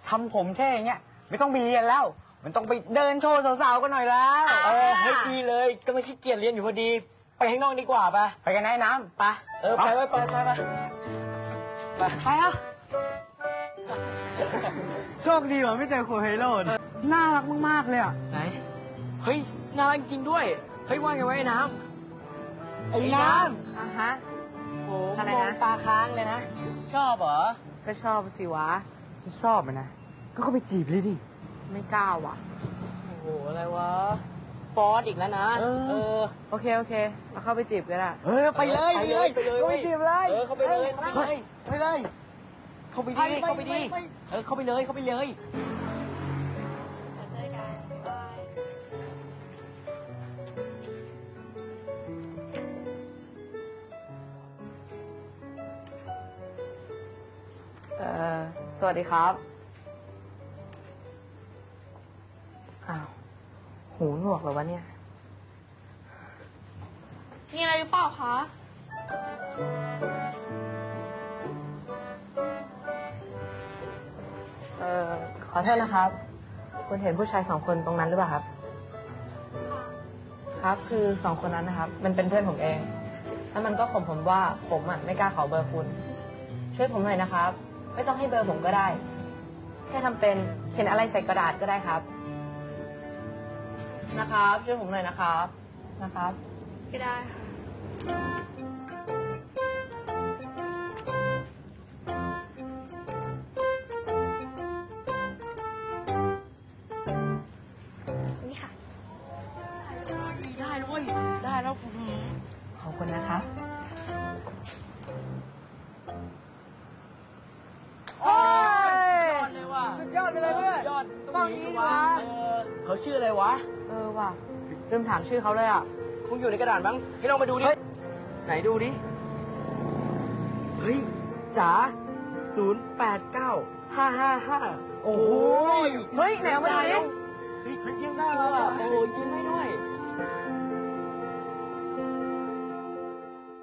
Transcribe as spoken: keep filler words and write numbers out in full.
ทำผมเท่อย่างเงี้ยไม่ต้องไปเรียนแล้วมันต้องไปเดินโชว์สาวๆกันหน่อยแล้วเออเฮ้ยดีเลยก็ไม่ขี้เกียจเรียนอยู่พอดีไปข้างนอกดีกว่าปะไปกันไอ้น้ำไปเออไปไปไปไปไปไปไปอ่ะโชคดีว่ะไม่เจอโคเฮโร่น่ารักมากๆเลยอ่ะไหนเฮ้ยน่ารักจริงด้วยเฮ้ยว่าไงวะไอ้น้ำไอ้น้ำอ่ะฮะโอ้มองตาค้างเลยนะชอบเหรอก็ชอบสิวะชอบไหมนะก็เข้าไปจีบเลยดิไม่กล้าว่ะโอ้โหอะไรวะฟอสอีกแล้วนะเออโอเคโอเคเราเข้าไปจีบกันละเออไปเลยไปเลยไปเลยเข้าไปจีบเลยเออเข้าไปเลยเข้าไปเลยไปเลยเข้าไปดีเข้าไปดีเออเข้าไปเลยเข้าไปเลยเอ่อสวัสดีครับอ้าวหูหนวกเหรอวะเนี่ยมีอะไรหรือเปล่าคะเอ่อขอโทษนะครับคุณเห็นผู้ชายสองคนตรงนั้นหรือเปล่าครับครับคือสองคนนั้นนะครับมันเป็นเพื่อนผมเองแล้วมันก็ข่มผมว่าผมอ่ะไม่กล้าขอเบอร์คุณช่วยผมหน่อยนะครับไม่ต้องให้เบอร์ผมก็ได้แค่ทำเป็นเขียนอะไรใส่กระดาษก็ได้ครับนะครับช่วยผมหน่อยนะครับนะครับก็ได้ค่ะนี่ค่ะได้ด้วยได้แล้วขอบคุณนะครับโอ้ยยอดเลยว่ะสุดยอดไปเลยเพื่อนยอดต้องนี้วะเขาชื่ออะไรวะเออว่ะลืมถามชื่อเขาเลยอ่ะคงอยู่ในกระดาษบ้างให้ลองมาดูดิไหนดูดิเฮ้ยจ๋าศูนย์แปดเก้าห้าห้าห้าโอ้โหเฮ้ยไหนเอามาดูดิ